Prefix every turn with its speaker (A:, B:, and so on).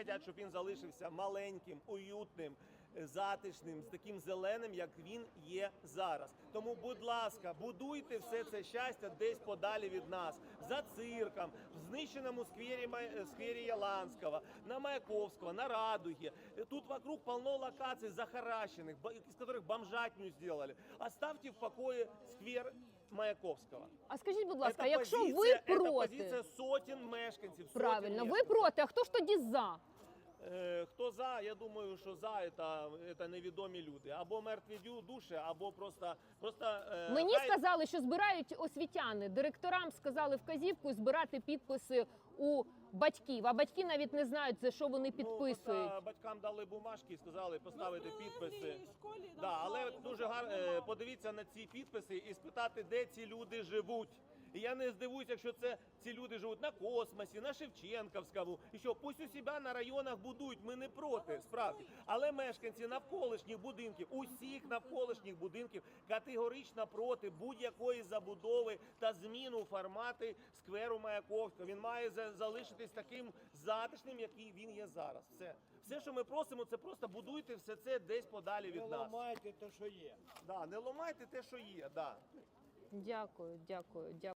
A: хочуть, щоб він залишився маленьким, уютним, затишним, з таким зеленим, як він є зараз. Тому, будь ласка, будуйте все це щастя десь подалі від нас. За цирком, в знищеному сквері Яланського, на Маяковського, на Радуге. Тут вокруг полно локаций захаращенных, из которых бомжатню сделали. Оставьте в покое сквер Маяковського.
B: А скажіть, будь ласка,
A: Це
B: якщо ви
A: позиція, це
B: проти,
A: позиція сотень мешканців.
B: правильно, ви проти, а хто ж тоді за?
A: Хто за, я думаю, що за це невідомі люди. Або мертві душі, або просто
B: Мені сказали, що збирають освітяни. Директорам сказали вказівку збирати підписи у батьків. А батьки навіть не знають, за що вони підписують.
A: Ну, батькам дали бумажки і сказали поставити підписи. Да, але дуже гарно подивіться на ці підписи і спитати, де ці люди живуть. І я не здивуюся, якщо ці люди живуть на Космосі, на Шевченківському. І що, пусть у себе на районах будують, ми не проти, справді. Але мешканці навколишніх будинків, усіх навколишніх будинків категорично проти будь-якої забудови та зміну формати скверу Маяковського. Він має залишитись таким затишним, який він є зараз. Все, що ми просимо, це просто будуйте все це десь подалі від нас.
C: Не ламайте те, що є.
A: Да, не ламайте те, що є, да.
B: Дякую.